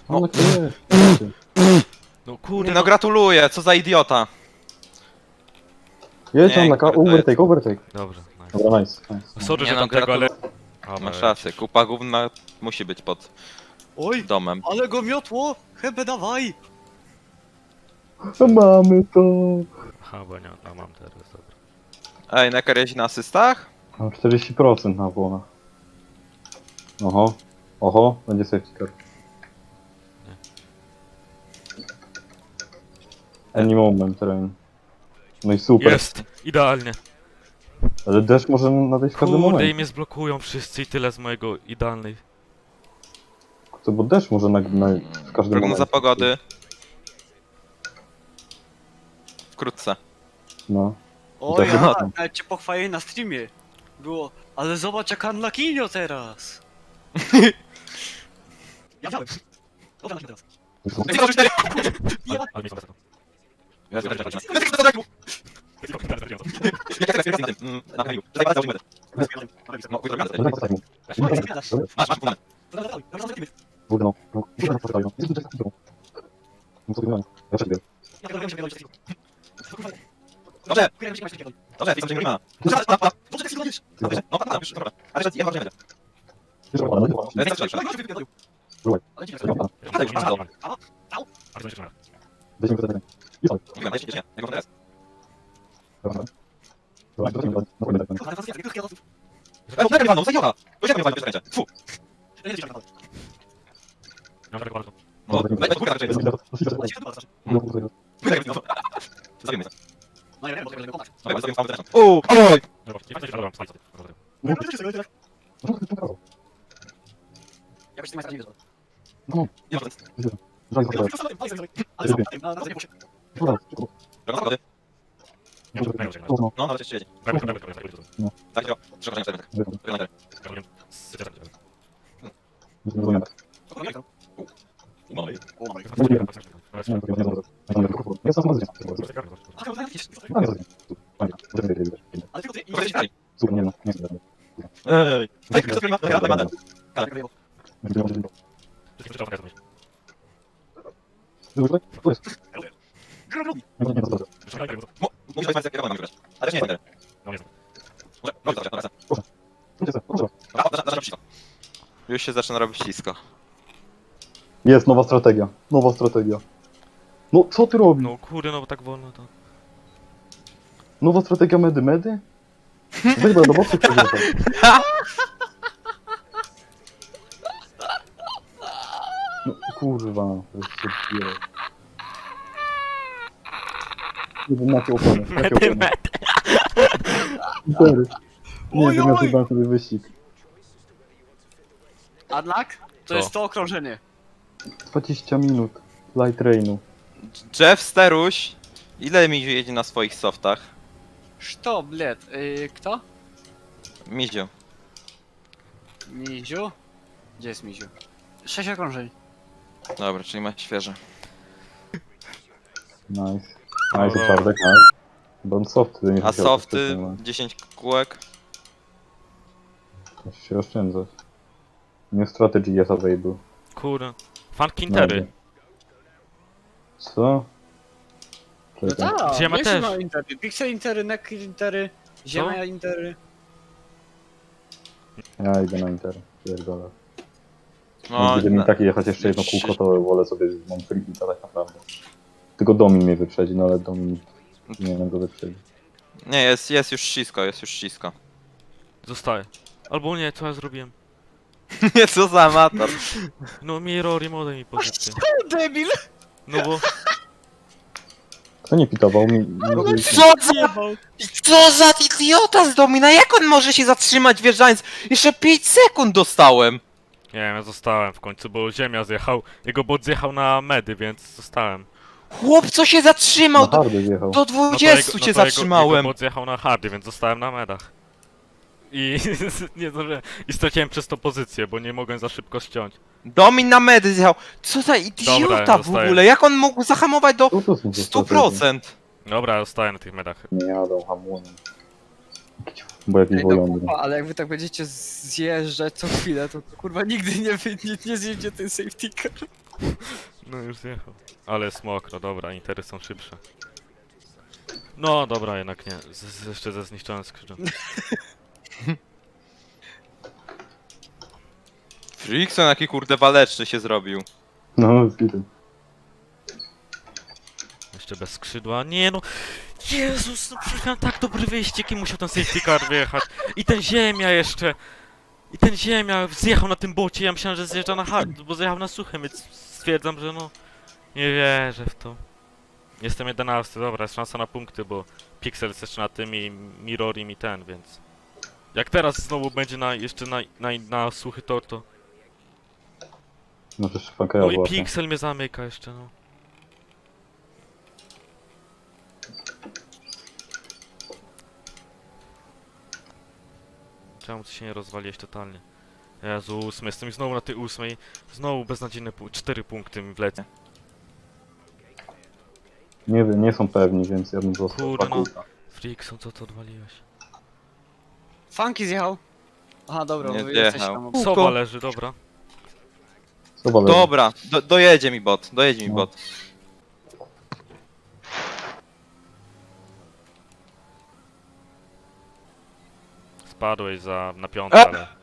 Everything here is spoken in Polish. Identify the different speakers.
Speaker 1: No.
Speaker 2: Ale to jest.
Speaker 1: No kurde,
Speaker 3: Nie, no gratuluję, co za idiota.
Speaker 2: Jedź
Speaker 3: Nie,
Speaker 2: tam na
Speaker 3: kurde,
Speaker 2: overtake, overtake.
Speaker 1: Dobrze, nice.
Speaker 2: Dobra, nice, nice.
Speaker 1: Sorry,
Speaker 3: Nie
Speaker 1: że
Speaker 3: no,
Speaker 1: tam tego, ale...
Speaker 3: gratuluję.
Speaker 1: Dobra,
Speaker 3: Masz rację, kupa gówna musi być pod
Speaker 4: Oj,
Speaker 3: domem.
Speaker 4: ale go miotło! Hebę dawaj!
Speaker 2: No mamy to.
Speaker 1: Aha, bo nie, no mam teraz, dobra.
Speaker 3: Ej, Necker jeździ na asystach?
Speaker 2: Mam 40% na błonach. Oho, oho, będzie safety car. Any moment, rain. No i super.
Speaker 1: Jest! Idealnie.
Speaker 2: Ale deszcz może nadejść w każdym
Speaker 1: Kurde, i
Speaker 2: momencie.
Speaker 1: mnie zblokują wszyscy i tyle z mojego idealnej.
Speaker 2: Co, bo deszcz może w każdym
Speaker 3: Prognoza
Speaker 2: momencie.
Speaker 3: pogody. Wkrótce.
Speaker 2: No.
Speaker 4: O
Speaker 2: Dobrze,
Speaker 4: ja,
Speaker 2: no.
Speaker 4: nawet cię pochwalili na streamie. Było, ale zobacz jak unluckinio teraz. Ja wziąłem. Dobra, teraz.
Speaker 1: Ale mi są tego.
Speaker 2: Kurde, no. No, kurde, no, poczekaj, no. No co wygląda? Ja przebiegam.
Speaker 3: Dobrze, dobrze, pisam, że nie ma. Ale że ja ważne.
Speaker 2: Wiesz, no, no, no. Byłaj. Weźmy to tak. I co? Dobra. Dobra, to weźmy to. No, kurde, tak.
Speaker 3: Fu!
Speaker 1: Nie mam tego bardzo.
Speaker 2: No,
Speaker 3: No, weź, kurwa, tak,
Speaker 2: no, no, kurde,
Speaker 3: Zabijmy to.
Speaker 4: No ja wiem, bo tego nie było.
Speaker 3: Dobra, zabijmy całą zresztą. Uuu, oj!
Speaker 1: Dobra, nie fajnie, że dobra, spalić. Dobra.
Speaker 2: no, no, to prawo.
Speaker 4: Jakoś ty masz nie wiedzą.
Speaker 2: No,
Speaker 3: Nie ma nic.
Speaker 2: żal, żal,
Speaker 4: Ale co? Na razie muszę.
Speaker 2: żal.
Speaker 3: Prognoza pogody.
Speaker 2: No,
Speaker 3: No, nawet jeszcze jedzie. Tak, jo. Przepraszam, cztery metry. Wygląda.
Speaker 2: no, no,
Speaker 3: No i...
Speaker 2: Jest to zgodnie.
Speaker 4: Ale tylko ty i
Speaker 3: Powiedz dalej.
Speaker 2: Super, nie no, nie wiem.
Speaker 3: Ej! Ej, kto to ma? Ja, będę.
Speaker 2: Tu jest.
Speaker 4: Grubi.
Speaker 2: Nie, nie, to
Speaker 3: Musisz powiedzieć, jak ja mam wybrać. Ale nie jest będę. Może, dobra, dobra.
Speaker 2: Proszę.
Speaker 3: Dobra, zaczynam ślisko. Już się zaczyna robić ślisko.
Speaker 2: Jest nowa strategia. Nowa strategia. No, co ty robisz?
Speaker 1: No kurde, no bo tak wolno to...
Speaker 2: Nowa strategia medy? Weź do boku przegrywam. No kurwa, to jest szybkie. Nie wiem, jakie opony. Jakie opony. Intery. Nie wiem, ja chyba sobie wyścig.
Speaker 4: Unlock? To
Speaker 1: Co?
Speaker 4: jest to okrążenie.
Speaker 2: 20 minut. Light rainu.
Speaker 3: Jeff Steruś, ile mi jedzie na swoich softach?
Speaker 4: Что, блядь, kto?
Speaker 3: Miziu.
Speaker 4: Miziu? Gdzie jest Miziu? 6 okrążeń.
Speaker 3: Dobra, czyli ma świeże.
Speaker 2: Nice.
Speaker 1: No,
Speaker 2: Nice,
Speaker 1: no.
Speaker 2: czartek, nice. Bo on softy nie
Speaker 3: A
Speaker 2: musiał
Speaker 3: softy
Speaker 2: wcześniej,
Speaker 3: 10 kółek.
Speaker 2: Musi się oszczędzać. New strategy jest available.
Speaker 1: Kurde. Funky intery.
Speaker 2: Co?
Speaker 4: No
Speaker 2: Czekaj.
Speaker 4: tak,
Speaker 1: Ziemia
Speaker 4: wiesz,
Speaker 1: też.
Speaker 4: no intery. Pixel intery, neck intery, ziemia intery.
Speaker 2: Ja idę na Inter. Pierdolę.
Speaker 3: No,
Speaker 2: Gdyby mi takie jechać jeszcze jedno kółko, to wolę sobie mam freebita tak naprawdę. Tylko Domin mnie wyprzedzi, no ale Domin nie wiem go wyprzedzi.
Speaker 3: nie, jest już ślisko, jest już ślisko.
Speaker 1: Zostaje. Albo nie, co ja zrobiłem?
Speaker 3: Nie, co za amator.
Speaker 1: No Mirror mode mi pozycję.
Speaker 4: Debil!
Speaker 1: No bo...
Speaker 2: Kto nie pitował mi?
Speaker 3: Co za idiota z Domina, jak on może się zatrzymać wjeżdżając? Jeszcze 5 sekund dostałem.
Speaker 1: Nie wiem, ja zostałem w końcu, bo ziemia zjechał. Jego bot zjechał na medy, więc zostałem.
Speaker 3: Chłop, co się zatrzymał?
Speaker 2: Na hardy wjechał.
Speaker 3: Do
Speaker 1: No to
Speaker 3: 20
Speaker 1: jego-
Speaker 3: cię
Speaker 1: no to
Speaker 3: zatrzymałem.
Speaker 1: Jego bot zjechał na hardy, więc zostałem na medach. I nie zdążyłem. I straciłem przez to pozycję, bo nie mogłem za szybko ściąć.
Speaker 3: Domin na medy zjechał. Co za idiota
Speaker 1: Dobra,
Speaker 3: w
Speaker 1: zostaję.
Speaker 3: ogóle, jak on mógł zahamować do
Speaker 2: Co to są za strategie?
Speaker 3: 100%?
Speaker 1: Dobra, ja zostałem na tych medach.
Speaker 2: Nie jadą hamują. Bo jakiś
Speaker 4: Ej, no
Speaker 2: wojący.
Speaker 4: kurwa, ale jak wy tak będziecie zjeżdżać co chwilę, to kurwa nigdy nie zjedzie ten safety car.
Speaker 1: No już zjechał. Ale jest mokro, dobra, intery są szybsze. No dobra, jednak nie. Jeszcze ze zniszczonym skrzydłem.
Speaker 3: Frickson jaki kurde waleczny się zrobił.
Speaker 2: No, z gitem.
Speaker 1: Jeszcze bez skrzydła. Nie no. Jezus, no przecież miałem tak dobry wyścig i musiał ten safety car wyjechać. I ten ziemia jeszcze. I ten ziemia zjechał na tym bocie. Ja myślałem, że zjeżdża na hard, bo zjechał na suchym, więc stwierdzam, że no. Nie wierzę w to. Jestem 11, dobra, jest szansa na punkty, bo Pixel jest jeszcze na tym i Mirror mi ten, więc... Jak teraz znowu będzie jeszcze na suchy tor, to...
Speaker 2: Może szpankera
Speaker 1: No i
Speaker 2: właśnie.
Speaker 1: Pixel mnie zamyka jeszcze, no. Czemu ty się nie rozwaliłeś totalnie? Jezu, 8, jestem znowu na tej 8. Znowu beznadziejne 4 punkty mi wlecą.
Speaker 2: Nie wiem, nie są pewni, więc ja bym został
Speaker 1: Kurde, no.
Speaker 2: Fakulta.
Speaker 1: Frickson, co to odwaliłeś?
Speaker 4: Funky zjechał. Aha, dobra,
Speaker 3: Nie
Speaker 4: bo jesteś
Speaker 3: zjechał.
Speaker 4: tam.
Speaker 3: Kółko.
Speaker 1: Sowa leży, dobra.
Speaker 2: Sowa leży.
Speaker 3: Dobra, dojedzie mi bot, dojedzie mi
Speaker 2: No.
Speaker 3: bot.
Speaker 1: Spadłeś na piątkę, ale...